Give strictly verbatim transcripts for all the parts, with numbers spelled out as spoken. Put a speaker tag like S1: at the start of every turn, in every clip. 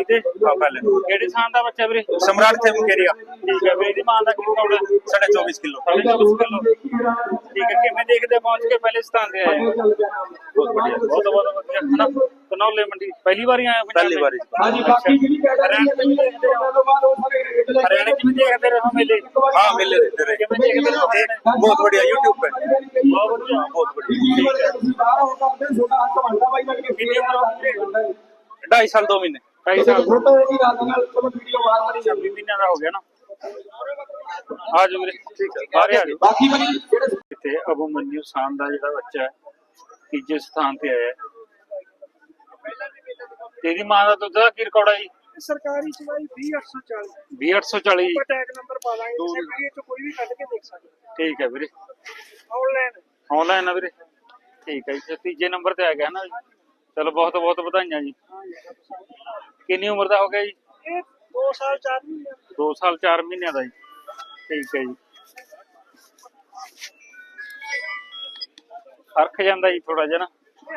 S1: ਤੇ
S2: ਪਹਿਲੇ
S1: ਕਿਹੜੇ ਥਾਂ ਦਾ ਬੱਚਾ ਵੀਰੇ?
S2: ਸਮਰਾਟ ਥੇ ਮੁਕੇਰੀਆ
S1: ਠੀਕ ਹੈ ਵੀਰੇ। ਇਹਦੀ ਮਾਂ ਦਾ ਕੀ ਕੌੜਾ?
S2: साढ़े चौबीस किलो।
S1: ਸਾਢੇ ਚੌਬੀਸ ਕਿਲੋ। ਠੀਕ ਹੈ। ਕਿਵੇਂ ਦੇਖਦੇ ਪਹੁੰਚ ਕੇ ਪਹਿਲੇ ਸਥਾਨ ਤੇ ਆਏ?
S2: बहुत बढ़िया।
S1: ਬਹੁਤ ਬਹੁਤ ਵਧੀਆ ਹਨਾ। ਧਨੌਲੇ ਮੰਡੀ ਪਹਿਲੀ ਵਾਰੀ ਆਇਆ ਪੰਜਾਬ
S2: पहली
S1: में?
S2: बारी।
S3: ਹਾਂਜੀ ਬਾਕੀ ਜਿਹੜੀ
S1: ਹਰਿਆਣੇ ਚ ਵੀ ਦੇਖਦੇ ਹੋ? हरियाणा की भी देखते रहो मेले?
S2: हाँ मेले देखते रहे।
S1: किਵੇਂ देखते रहो हरियाणा?
S2: बहुत बढ़िया यूट्यूब पे।
S1: बहुत बढ़िया।
S2: बहुत बढ़िया।
S1: कितनी उम्र हो गई?
S2: ढाई साल दो महीने।
S1: ढाई साल
S3: ਬਾਕੀ
S1: छब्बीस महीने का हो गया ना। आ जाओ ਵੀਰੇ। ठीक है। बाहर आ जाओ।
S3: ਬਾਕੀ ਬਣੀ ਜਿਹੜੇ
S1: ਇੱਥੇ ਅਭਿਮਨਯੂ ਸਾਨ ਦਾ ਜਿਹੜਾ ਬੱਚਾ ਹੈ ਤੀਜੇ ਸਥਾਨ ਤੇ ਆਇਆ ਹੈ। ਤੇਰੀ ਮਾਂ ਦਾ ਦੁੱਧ ਦਾ ਕੀ ਰਿਕਾਰਡ ਹੈ ਜੀ?
S4: ਸਰਕਾਰੀ ਚਵਾਈ ਵੀਹ ਅੱਠ ਸੌ ਚਾਲੀ।
S1: ਵੀਹ ਅੱਠ ਸੌ ਚਾਲੀ।
S4: ਆਪਾਂ ਟੈਗ ਨੰਬਰ ਪਾ ਦਾਂਗੇ, ਕਿਸੇ ਵੀਡੀਓ ਚ ਕੋਈ ਵੀ ਕੱਢ ਕੇ ਦੇਖ ਸਕਦੇ
S1: ਠੀਕ ਹੈ ਵੀਰੇ।
S4: ਆਨਲਾਈਨ।
S1: ਆਨਲਾਈਨ ਆ ਵੀਰੇ। ਠੀਕ ਹੈ ਜੀ। ਤੀਜੇ ਨੰਬਰ ਤੇ ਆ ਗਿਆ ਨਾ ਜੀ। ਚਲੋ ਬਹੁਤ ਬਹੁਤ ਵਧਾਈਆਂ ਜੀ। ਕਿੰਨੀ ਉਮਰ ਦਾ ਹੋ ਗਿਆ ਜੀ?
S4: ਇਹ ਦੋ ਸਾਲ ਚਾਰ ਮਹੀਨੇ।
S1: ਦੋ ਸਾਲ ਚਾਰ ਮਹੀਨਿਆਂ ਦਾ ਜੀ। ਠੀਕ ਹੈ ਜੀ। ਫਰਕ ਜਾਂਦਾ ਜੀ ਥੋੜਾ ਜਿਹਾ ਨਾ।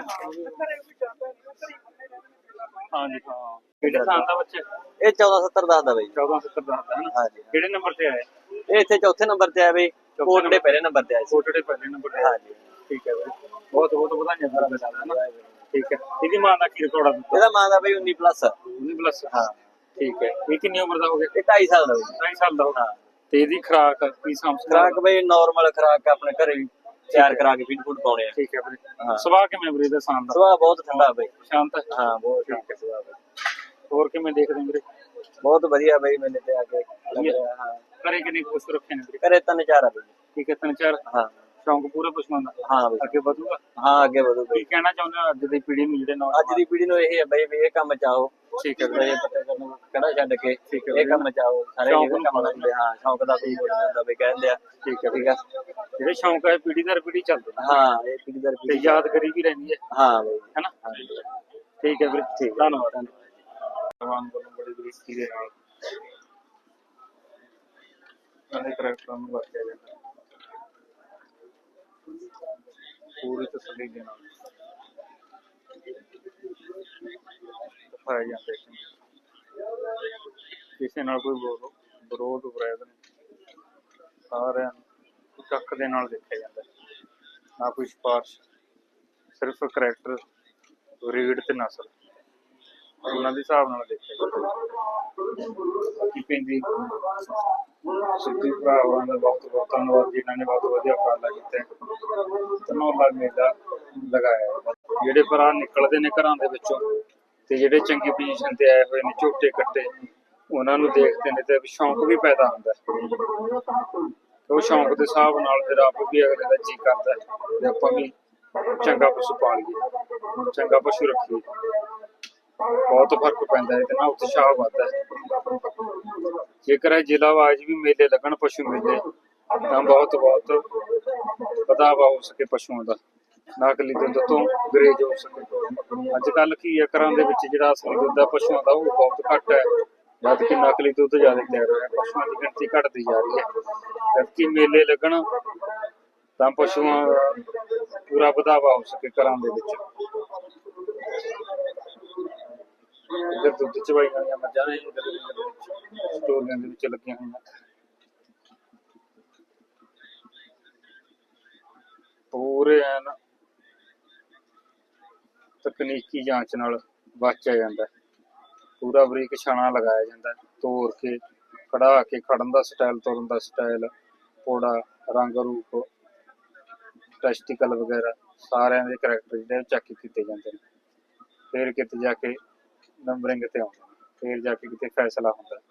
S1: ਹਾਂਜੀ ਹਾਂ। ਕਿਹੜੇ ਸਾਲ ਦਾ ਬੱਚਾ?
S5: ਇਹ ਚੌਦਾਂ ਸੱਤਰ ਦਸ ਦਾ ਬਈ।
S1: ਚੌਦਾਂ ਸੱਤਰ ਦਾ ਹੈ ਨਾ।
S5: ਹਾਂਜੀ।
S1: ਕਿਹੜੇ ਨੰਬਰ ਤੇ ਆਇਆ?
S5: ਇਹ ਇੱਥੇ ਚੌਥੇ ਨੰਬਰ ਤੇ ਆਇਆ ਬਈ। ਕੋਟੜੇ ਪਹਿਲੇ ਨੰਬਰ ਤੇ ਆਇਆ ਸੀ।
S1: ਕੋਟੜੇ ਪਹਿਲੇ ਨੰਬਰ ਤੇ।
S5: ਹਾਂਜੀ।
S1: ਠੀਕ ਹੈ ਵੀਰੇ। ਬਹੁਤ ਬਹੁਤ ਵਧਾਈਆਂ ਸਾਰਾ ਬਸਾਲਾ। ਠੀਕ ਹੈ। ਇਹਦੀ ਮਾਂ ਦਾ ਕੀ ਰਿਕਾਰਡ ਆ?
S5: ਇਹਦਾ ਮਾਂ ਦਾ ਬਈ ਉੱਨੀ ਪਲੱਸ।
S1: ਉੱਨੀ ਪਲੱਸ।
S5: ਹਾਂ।
S1: ਠੀਕ ਹੈ। ਇਹ ਕਿੰਨੀ ਉਮਰ ਦਾ ਹੋ ਗਿਆ?
S5: ਇਹ ਢਾਈ ਸਾਲ ਦਾ ਬਈ।
S1: ਢਾਈ ਸਾਲ ਦਾ ਹੋ ਗਿਆ।
S5: ਹਾਂ।
S1: ਤੇ ਇਹਦੀ ਖੁਰਾਕ ਕੀ ਸਮਝ?
S5: ਖਰਾਕ ਬਈ ਨਾਰਮਲ ਖਰਾਕ ਆਪਣੇ ਘਰੇ ਹੀ ਤਿਆਰ ਕਰਾ ਕੇ ਫੀਡ ਫੂਡ ਪਾਉਣੇ ਆ।
S1: ਠੀਕ ਹੈ ਵੀਰੇ।
S5: ਹਾਂ।
S1: ਸੁਭਾਅ ਕਿਵੇਂ ਵੀਰੇ ਦਾ ਸਾਨ ਦਾ?
S5: ਸੁਭਾਅ ਬਹੁਤ ਠੰਡਾ ਬਈ।
S1: ਸ਼ਾਂਤ ਹੈ?
S5: ਹਾਂ ਬਹੁਤ
S1: ਠੀਕ
S5: ਠੀਕ
S1: ਹੈ।
S5: ਸੁਭਾਅ ਬਈ।
S1: ਹੋਰ ਕਿਵੇਂ ਦੇਖਦੇ ਵੀਰੇ?
S5: ਬਹੁਤ ਵਧੀਆ ਬਈ ਮੇਲੇ ਤੇ ਆ ਕੇ ਲੱਗ ਰਿਹਾ। ਹਾਂ।
S1: ਘਰੇ ਕਿੰਨੇ ਪਸ਼ੂ ਰੱਖੇ ਨੇ ਵੀਰੇ?
S5: ਘਰੇ ਤਿੰਨ ਚਾਰ ਆ ਬਈ।
S1: ਠੀਕ ਹੈ। ਤਿੰਨ ਚਾਰ।
S5: ਹਾਂ।
S1: ਸ਼ੌਂਕ ਪੂਰੇ ਪਸ਼ੂਆਂ ਦਾ?
S5: ਹਾਂ ਬਈ।
S1: ਅੱਗੇ ਵਧੂਗਾ?
S5: ਹਾਂ ਅੱਗੇ ਵਧੂ
S1: ਕੀ
S5: ਬਈ।
S1: ਕਹਿਣਾ ਚਾਹੁੰਦੇ ਹੋ ਅੱਜ ਦੀ ਪੀੜ੍ਹੀ ਨੂੰ ਜਿਹੜੇ ਨੌਜਵਾਨ?
S5: ਅੱਜ ਦੀ ਪੀੜ੍ਹੀ ਨੂੰ ਇਹ ਹੈ ਬਈ ਵੀ ਇਹ ਕੰਮ ਚਾਹੋ।
S1: ਠੀਕ ਹੈ
S5: ਇਹ
S1: ਵੀਰੇ।
S5: ਪਤਾ ਕਰਨ ਕਿਹੜਾ ਛੱਡ ਕੇ
S1: ਠੀਕ ਹੈ
S5: ਇਹ ਕੰਮ ਚਾਹੋ। ਸਾਰੇ
S1: ਸ਼ੌਂਕ
S5: ਇਹ
S1: ਨੂੰ
S5: ਕੰਮ ਕਰਦੇ ਹਾਂ। ਸ਼ੌਂਕ ਦਾ ਕੋਈ ਮੁੱਲ ਨਹੀਂ ਹੁੰਦਾ ਬਈ ਕਹਿੰਦੇ ਆ।
S1: ਠੀਕ ਹੈ।
S5: ਠੀਕ ਆ।
S1: ਜਿਹੜੇ ਸ਼ੌਂਕ ਹੈ ਪੀੜ੍ਹੀ ਦਰ ਪੀੜ੍ਹੀ ਚੱਲਦੇ ਨੇ।
S5: ਹਾਂ ਇਹ ਪੀੜ੍ਹੀ ਦਰ
S1: ਤੇ
S5: ਪੀੜ੍ਹੀ।
S1: ਯਾਦਗਾਰੀ ਵੀ ਰਹਿੰਦੀ ਹੈ
S5: ਹਾਂ ਬਈ।
S1: ਹੈਨਾ।
S5: ਹਾਂਜੀ।
S1: ਠੀਕ ਹੈ ਵੀਰੇ। ਠੀਕ। ਧੰਨਵਾਦ। ਭਗਵਾਨ ਵੱਲੋਂ ਬੜੀ ਬਰੀਕੀ ਦੇ ਨਾਲ ਸਾਰੇ ਕਰੈਕਟਰਾਂ ਨੂੰ ਵਰਤਿਆ ਜਾਂਦਾ ਪੂਰੀ ਤਸੱਲੀ ਦੇ ਨਾਲ ਦਿਖਾਇਆ ਜਾਂਦਾ ਹੈ। ਕਿਸੇ ਨਾਲ ਕੋਈ ਵਿਰੋ- ਵਿਰੋਧ ਵਿਰੋਧ ਨਹੀਂ। ਸਾਰਿਆਂ ਨੂੰ ਚੱਕ ਦੇ ਨਾਲ ਦੇਖਿਆ ਜਾਂਦਾ ਹੈ। ਨਾ ਕੋਈ ਸਿਫਾਰਿਸ਼, ਸਿਰਫ ਕਰੈਕਟਰ, ਰੀਡ ਤੇ ਨਸਲ ਉਹਨਾਂ ਦੇ ਹਿਸਾਬ ਨਾਲ ਦੇਖਿਆ ਜਾਂਦਾ। ਬਾਕੀ ਪੈਂਦੀ ਸਿੱਧੀ ਭਰਾਵਾਂ ਦਾ ਬਹੁਤ ਬਹੁਤ ਧੰਨਵਾਦ ਜਿਨ੍ਹਾਂ ਨੇ ਬਹੁਤ ਵਧੀਆ ਉਪਰਾਲਾ ਕੀਤਾ। ਧਨੌਲਾ ਮੇਲਾ ਲਗਾਇਆ ਹੈ। ਜਿਹੜੇ ਭਰਾ ਨਿਕਲਦੇ ਨੇ ਘਰਾਂ ਦੇ ਵਿੱਚੋਂ ਤੇ ਜਿਹੜੇ ਚੰਗੀ ਪੋਜੀਸ਼ਨ ਤੇ ਆਏ ਹੋਏ ਨੇ ਝੋਟੇ ਕੱਟੇ, ਉਹਨਾਂ ਨੂੰ ਦੇਖਦੇ ਨੇ ਤੇ ਸ਼ੌਂਕ ਵੀ ਪੈਦਾ ਹੁੰਦਾ ਹੈ। ਉਹ ਸ਼ੌਂਕ ਦੇ ਹਿਸਾਬ ਨਾਲ ਫਿਰ ਆਪ ਵੀ ਅਗਲੇ ਦਾ ਜੀ ਕਰਦਾ ਹੈ ਤੇ ਆਪਾਂ ਵੀ ਚੰਗਾ ਪਸ਼ੂ ਪਾਲੀਏ, ਚੰਗਾ ਪਸ਼ੂ ਰੱਖੀਏ। ਬਹੁਤ ਫਰਕ ਪੈਂਦਾ ਹੈ ਇਹਦੇ ਨਾਲ, ਉਤਸ਼ਾਹ ਵੱਧਦਾ ਹੈ। ਜੇਕਰ ਇਹ ਜ਼ਿਲ੍ਹਾ ਵਾਈਜ਼ ਵੀ ਮੇਲੇ ਲੱਗਣ ਪਸ਼ੂ ਮੇਲੇ ਤਾਂ ਬਹੁਤ ਬਹੁਤ ਵਧਾਵਾ ਹੋ ਸਕੇ ਪਸ਼ੂਆਂ ਦਾ, ਨਕਲੀ ਦੁੱਧ ਤੋਂ ਗਰੇਜ ਹੋ ਸਕੇ। ਅੱਜ ਕੱਲ੍ਹ ਕੀ ਹੈ ਘਰਾਂ ਦੇ ਵਿੱਚ ਜਿਹੜਾ ਅਸਲੀ ਦੁੱਧ ਹੈ ਪਸ਼ੂਆਂ ਦਾ ਉਹ ਬਹੁਤ ਘੱਟ ਹੈ, ਜਦ ਕਿ ਨਕਲੀ ਦੁੱਧ ਜ਼ਿਆਦਾ ਤਿਆਰ ਹੋਇਆ। ਪਸ਼ੂਆਂ ਦੀ ਗਿਣਤੀ ਘਟਦੀ ਜਾ ਰਹੀ ਹੈ। ਜਦਕਿ ਮੇਲੇ ਲੱਗਣ ਤਾਂ ਪਸ਼ੂਆਂ ਦਾ ਪੂਰਾ ਵਧਾਵਾ ਹੋ ਸਕੇ ਘਰਾਂ ਦੇ ਵਿੱਚ। ਇੱਧਰ ਦੁੱਧ ਚਵਾਈ ਵਾਲੀਆਂ ਮੱਝਾਂ ਨੇ, ਇੱਧਰ ਸਟੋਰੀਆਂ ਦੇ ਵਿੱਚ ਲੱਗੀਆਂ ਹੋਈਆਂ। ਪੂਰੇ ਐਨ ਤਕਨੀਕੀ ਜਾਂਚ ਨਾਲ ਵਾਚਿਆ ਜਾਂਦਾ। ਪੂਰਾ ਬਰੀਕ ਛਾਣਾ ਲਗਾਇਆ ਜਾਂਦਾ, ਤੋੜ ਕੇ ਕਢਾ ਕੇ ਖੜਨ ਦਾ ਸਟਾਈਲ, ਤੁਰਨ ਦਾ ਸਟਾਈਲ, ਪੋੜਾ, ਰੰਗ ਰੂਪ, ਟੈਸਟੀਕਲ ਵਗੈਰਾ ਸਾਰਿਆਂ ਦੇ ਕਰੈਕਟਰ ਜਿਹੜੇ ਚੈੱਕ ਕੀਤੇ ਜਾਂਦੇ ਨੇ। ਫਿਰ ਕਿਤੇ ਜਾ ਕੇ ਨੰਬਰਿੰਗ ਤੇ ਆਉਂਦਾ, ਫਿਰ ਜਾ ਕੇ ਕਿਤੇ ਫੈਸਲਾ ਹੁੰਦਾ।